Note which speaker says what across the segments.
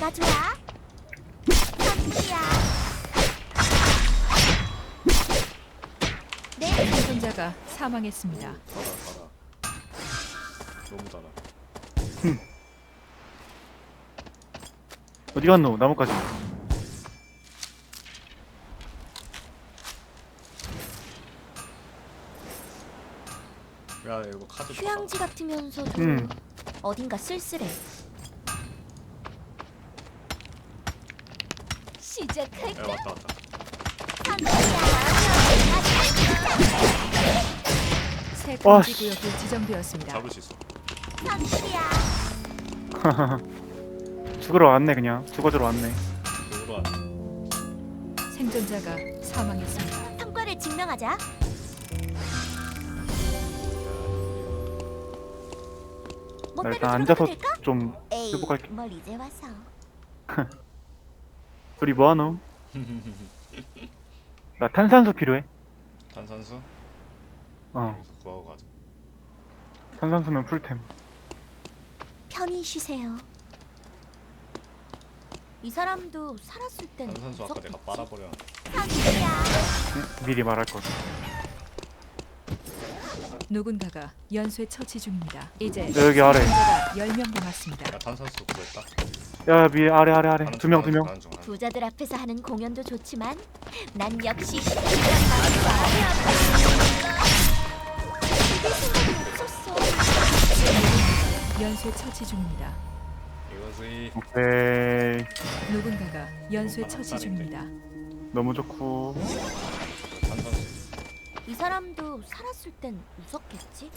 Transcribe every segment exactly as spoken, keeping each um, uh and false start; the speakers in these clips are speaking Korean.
Speaker 1: 뭐가 좋아? 선물이야. 네.
Speaker 2: 생존자가 사망했습니다.
Speaker 3: 달아 달아. 너무 달아.
Speaker 4: 어디 갔노? 나뭇가지.
Speaker 3: 야 이거 카드
Speaker 1: 휴양지 같으면서도
Speaker 4: 음.
Speaker 1: 어딘가 쓸쓸해. 시작할까?
Speaker 3: 야 왔다 왔다.
Speaker 2: 새
Speaker 4: 와,
Speaker 2: 금지 구역이 지정되었습니다.
Speaker 3: 잡을 수 있어.
Speaker 1: 선물이야.
Speaker 4: 죽으러 왔네 그냥. 죽어주러 왔네.
Speaker 3: 이거로 안.
Speaker 2: 생존자가 사망했습니다.
Speaker 1: 성과를 증명하자.
Speaker 4: 나
Speaker 1: 멋대로
Speaker 4: 일단
Speaker 1: 들어가도
Speaker 4: 앉아서
Speaker 1: 될까?
Speaker 4: 좀
Speaker 1: 에이,
Speaker 4: 회복할게.
Speaker 1: 뭘 이제 와서.
Speaker 4: 우리 뭐하노? 나 탄산수 필요해.
Speaker 3: 탄산수?
Speaker 4: 어.
Speaker 3: 여기서 구하고 가자.
Speaker 4: 탄산수면 풀템.
Speaker 1: 편히 쉬세요. 이 사람도 살았을 땐
Speaker 3: 탄산수 아까 내가 빨아버려.
Speaker 1: 선물이야.
Speaker 4: 응? 미리 말할 거.
Speaker 2: 누군가가 연쇄 처치 중입니다. 이제
Speaker 4: 네, 여기 아래.
Speaker 2: 생존자가 열 명 남았습니다.
Speaker 3: 야 탄산수 구했다.
Speaker 4: 야 위 아래 아래 아래.
Speaker 3: 가는
Speaker 4: 두 명
Speaker 3: 중,
Speaker 4: 두 명.
Speaker 3: 가는 중, 가는 중.
Speaker 1: 부자들 앞에서 하는 공연도 좋지만 난 역시 이게 생각이 없었어.
Speaker 2: 연쇄 처치 중입니다.
Speaker 3: 이거지.
Speaker 4: 오케이.
Speaker 2: 누군가가 연쇄 처치 중입니다.
Speaker 4: 너무 좋고.
Speaker 3: 탄산수.
Speaker 1: 이 사람도 살았을 땐 웃었겠지?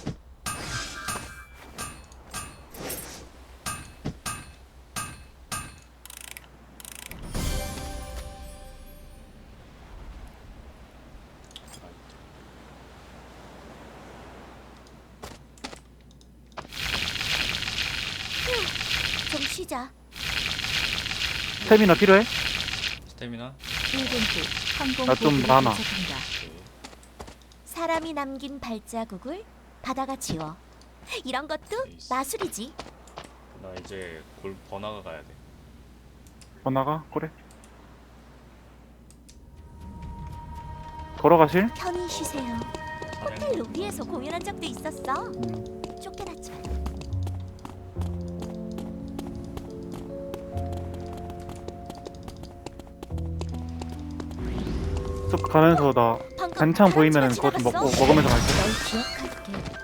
Speaker 1: 휴, 좀 쉬자.
Speaker 4: 스태미나 필요해?
Speaker 3: 스태미나.
Speaker 2: 일 분 후 항공
Speaker 4: 나좀
Speaker 2: 보급이
Speaker 4: 많아.
Speaker 2: 도착합니다.
Speaker 3: 오케이.
Speaker 1: 사람이 남긴 발자국을 바다가 지워. 이런 것도
Speaker 3: 에이씨.
Speaker 1: 마술이지.
Speaker 3: 나 이제 골 번화가 가야 돼.
Speaker 4: 번화가? 그래. 걸어가실?
Speaker 1: 편히 쉬세요. 호텔 로비에서 공연한 적도 있었어.
Speaker 4: 음.
Speaker 1: 쫓겨났지만.
Speaker 4: 쭉 가면서 나
Speaker 1: 방금
Speaker 4: 반창 보이면은
Speaker 1: 바람쥐가
Speaker 4: 그거 좀 먹고
Speaker 1: 지나갔어?
Speaker 4: 먹으면서 갈게.
Speaker 1: 널 기억할게.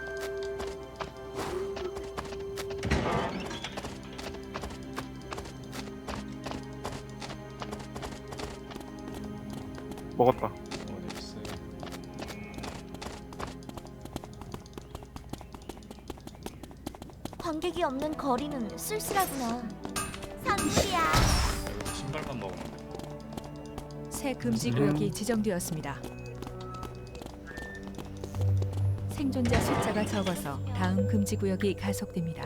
Speaker 4: 먹었다.
Speaker 3: 어디 있어?
Speaker 1: 관객이 없는 거리는 쓸쓸하구나. 선물이야.
Speaker 3: 여기서 신발만 먹으면 돼.
Speaker 2: 새 금지 구역이 지정되었습니다. 생존자 숫자가 적어서 다음 금지 구역이 가속됩니다.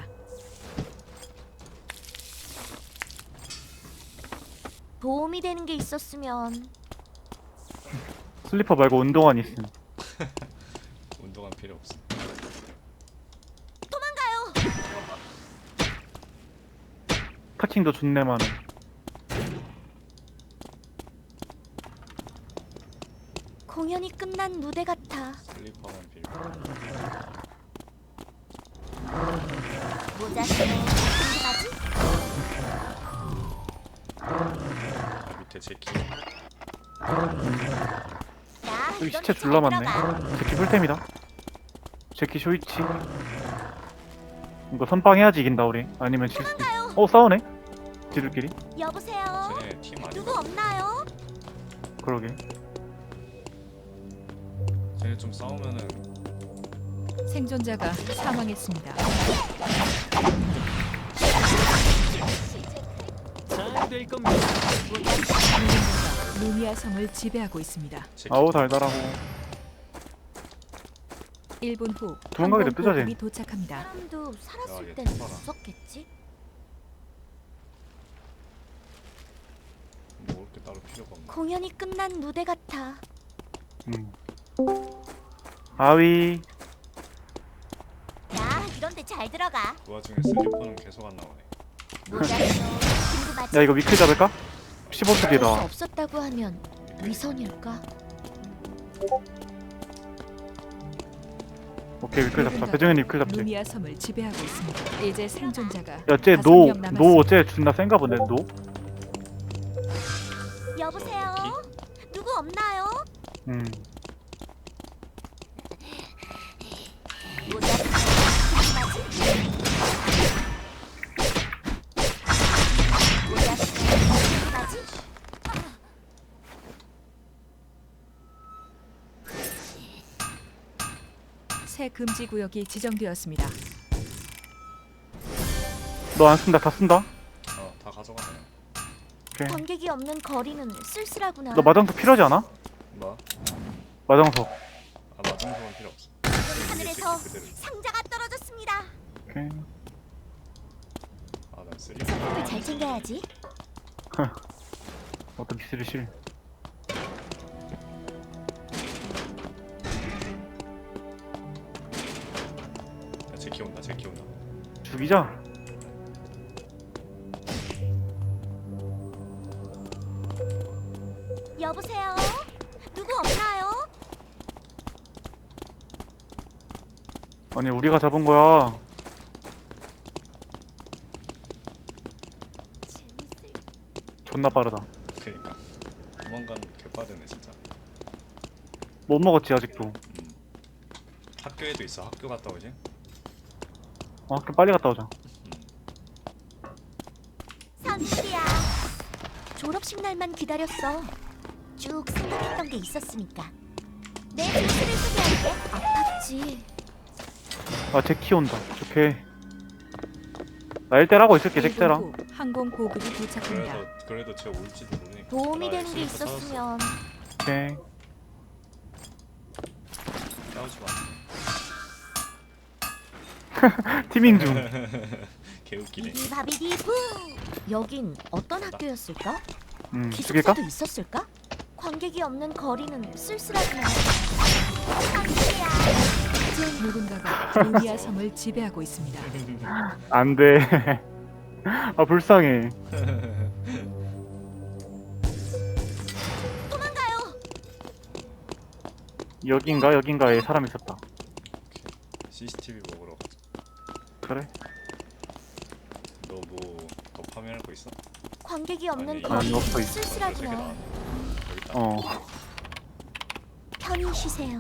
Speaker 1: 도움이 되는 게 있었으면.
Speaker 4: 슬리퍼 말고 운동화 있음.
Speaker 3: 운동화 필요 없어.
Speaker 1: 도망가요.
Speaker 4: 타칭도 존내 많음.
Speaker 1: 공연이 끝난 무대 같아.
Speaker 3: 슬리퍼만 필요.
Speaker 1: 모자 쓰고 궁금하지?
Speaker 3: 아, 밑에 제키.
Speaker 1: 야,
Speaker 4: 여기
Speaker 1: 이런
Speaker 4: 시체
Speaker 1: 데
Speaker 4: 졸라
Speaker 1: 잘
Speaker 4: 많네.
Speaker 1: 들어가.
Speaker 4: 제키 풀템이다. 제키 쇼이치. 이거 선빵해야지 이긴다 우리. 아니면 질 수도 있어. 어 싸우네? 지들끼리?
Speaker 1: 여보세요.
Speaker 3: 쟤네 팀 아니야?
Speaker 1: 누구 없나요?
Speaker 4: 그러게.
Speaker 3: 쟤네 좀 싸우면은
Speaker 2: 생존자가 사망했습니다.
Speaker 5: 잘 될 겁니다.
Speaker 2: 누군가가 루미아 성을 지배하고 있습니다.
Speaker 3: 제키.
Speaker 4: 아우 달달하고.
Speaker 2: 일 분 후
Speaker 4: 도망가게
Speaker 2: 항공
Speaker 4: 냅두자,
Speaker 2: 보급이
Speaker 4: 쟤.
Speaker 2: 도착합니다.
Speaker 1: 사람도
Speaker 3: 야,
Speaker 1: 살았을
Speaker 3: 얘
Speaker 1: 땐
Speaker 3: 좀 봐라.
Speaker 1: 웃었겠지?
Speaker 3: 먹을 게 따로 필요가 없네.
Speaker 1: 공연이 끝난 무대 같아.
Speaker 4: 음. 아위.
Speaker 1: 야, 이런 데 잘 들어가.
Speaker 3: 그 와중에 슬리퍼는 계속 안 나오네.
Speaker 1: 모자 쓰고 궁금하지?
Speaker 4: 야 이거 위클 잡을까? 십오 초
Speaker 1: 수
Speaker 4: 뒤에다.
Speaker 1: 없었다고 하면 위선일까?
Speaker 4: 오케이 위클 잡자. 배정현이 위클 잡지.
Speaker 2: 루미아 섬을 지배하고 있습니다. 이제 생존자가
Speaker 4: 야쟤
Speaker 2: 다섯
Speaker 4: 노
Speaker 2: 명 남았습니다.
Speaker 4: 노 쟤 존나 센가 보네 노.
Speaker 1: 여보세요? 누구 없나요?
Speaker 4: 음.
Speaker 1: 뭐냐? 궁금하지? 뭐냐? 궁금하지?
Speaker 2: 새 금지 구역이 지정되었습니다.
Speaker 4: 너 안 쓴다 다 쓴다.
Speaker 3: 어다 가져가네.
Speaker 4: 오케이.
Speaker 1: 관객이 없는 거리는 쓸쓸하구나.
Speaker 4: 너 마장석 필요하지 않아?
Speaker 3: 뭐?
Speaker 4: 마장석.
Speaker 3: 아 마중소는 필요 없어.
Speaker 1: 하늘에서
Speaker 3: 그대로.
Speaker 1: 상자가 떨어졌습니다.
Speaker 4: 오케이.
Speaker 3: 아난 쓰리.
Speaker 1: 선물을 잘 챙겨야지.
Speaker 4: 어떤 기술이 실.
Speaker 3: 야, 제키 온다. 제키 온다.
Speaker 4: 죽이자.
Speaker 1: 여보세요? 누구 없나요?
Speaker 4: 아니 우리가 잡은 거야.
Speaker 1: 재밌을
Speaker 4: 존나 빠르다.
Speaker 3: 그니까 도망가는 게 개빠르네 진짜.
Speaker 4: 못 먹었지 아직도.
Speaker 3: 음. 학교에도 있어. 학교 갔다 오지?
Speaker 4: 어 그럼 빨리 갔다 오자.
Speaker 1: 선물이야. 졸업식 날만 기다렸어. 쭉 생각했던 게 있었으니까. 내 진실을 소개할게. 아팠지.
Speaker 4: 아 제키 온다. 오케이. 나 일 대라고 있을게
Speaker 2: 일 분
Speaker 4: 잭대랑.
Speaker 2: 후 항공 보급이 도착합니다.
Speaker 3: 그래도 그래도 제가 올지도 모르니까.
Speaker 1: 도움이
Speaker 3: 나
Speaker 1: 되는 게
Speaker 3: 있으니까 싸웠어.
Speaker 1: 있었으면.
Speaker 4: 오케이.
Speaker 3: 싸우지 마.
Speaker 4: 티밍 중.
Speaker 3: 개웃기네.
Speaker 1: 비비바비디부. 여긴 어떤 학교였을까?
Speaker 4: 음 죽일까?
Speaker 1: 기숙사도 있었을까? 관객이 없는 거리는 쓸쓸하구나. 선물이야.
Speaker 2: 이제 누군가가 루미아 섬을 지배하고 있습니다.
Speaker 4: 안 돼. 아 불쌍해.
Speaker 1: 도망가요.
Speaker 4: 여긴가 여긴가에 사람 있었다.
Speaker 3: 씨씨티비 먹으러 가자.
Speaker 4: 그래?
Speaker 3: 너 뭐 더 파밍할 거 있어?
Speaker 1: 관객이 없는
Speaker 3: 아니,
Speaker 1: 거리는
Speaker 4: 없어, 있어.
Speaker 3: 세개
Speaker 1: 쓸쓸하구나.
Speaker 3: 나왔네. 여기 있다.
Speaker 4: 어.
Speaker 1: 편히 쉬세요.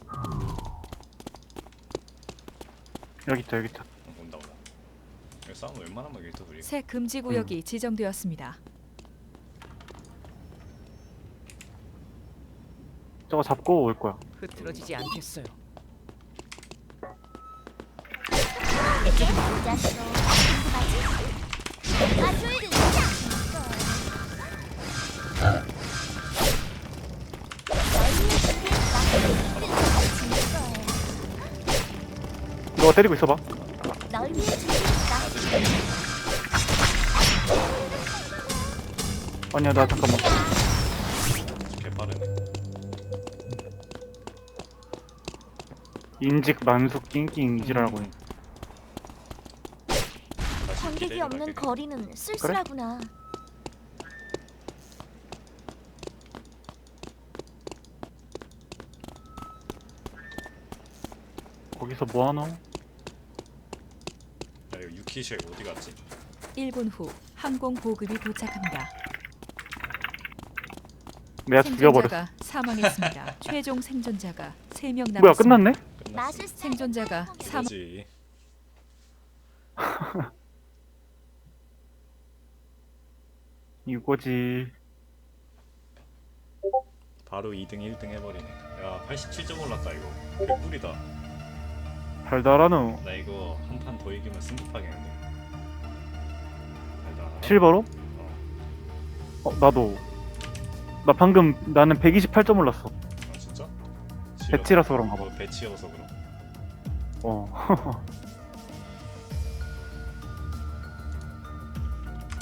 Speaker 4: 여기 있다 여기 있다.
Speaker 3: 어, 온다 온다. 여기 싸움 웬만하면 여기 또 둘이.
Speaker 2: 새 금지 구역이 지정되었습니다.
Speaker 4: 저거 잡고 올 거야.
Speaker 5: 흐트러지지 않겠어요.
Speaker 1: 모자쇼. 궁금하지? 가출을
Speaker 4: 너가 때리고 있어봐.
Speaker 1: 널 위해 준비했다.
Speaker 4: 아니야 나 잠깐만.
Speaker 3: 개빠르네.
Speaker 4: 인직 만숙 낑낑 이지라고 해.
Speaker 3: 다시
Speaker 1: 관객이
Speaker 3: 기대해봐,
Speaker 1: 없는
Speaker 3: 기대.
Speaker 1: 거리는 쓸쓸하구나.
Speaker 4: 거기서 뭐 하노?
Speaker 3: 야 이거 유키쉐 어디 갔지?
Speaker 2: 일 분 후 항공 보급이 도착합니다.
Speaker 4: 내가 죽여버렸어.
Speaker 2: 생존자가 사망했습니다. 최종 생존자가 세 명 남았습니다.
Speaker 4: 뭐야 끝났네?
Speaker 3: 끝났어.
Speaker 1: 맛을
Speaker 2: 생존자가 사망.
Speaker 3: 이거지.
Speaker 4: 이거지.
Speaker 3: 바로 이 등 일 등 해버리네. 야 팔십칠 점 올랐다 이거. 개꿀이다.
Speaker 4: 달달하노.
Speaker 3: 나 이거 한 판 더 이기면 승급하겠는데. 달달하다.
Speaker 4: 실버로?
Speaker 3: 어.
Speaker 4: 어 나도. 나 방금 나는 백이십팔 점 올랐어.
Speaker 3: 아 진짜?
Speaker 4: 배치라서 그런가 봐.
Speaker 3: 어, 배치여서 그럼.
Speaker 4: 어.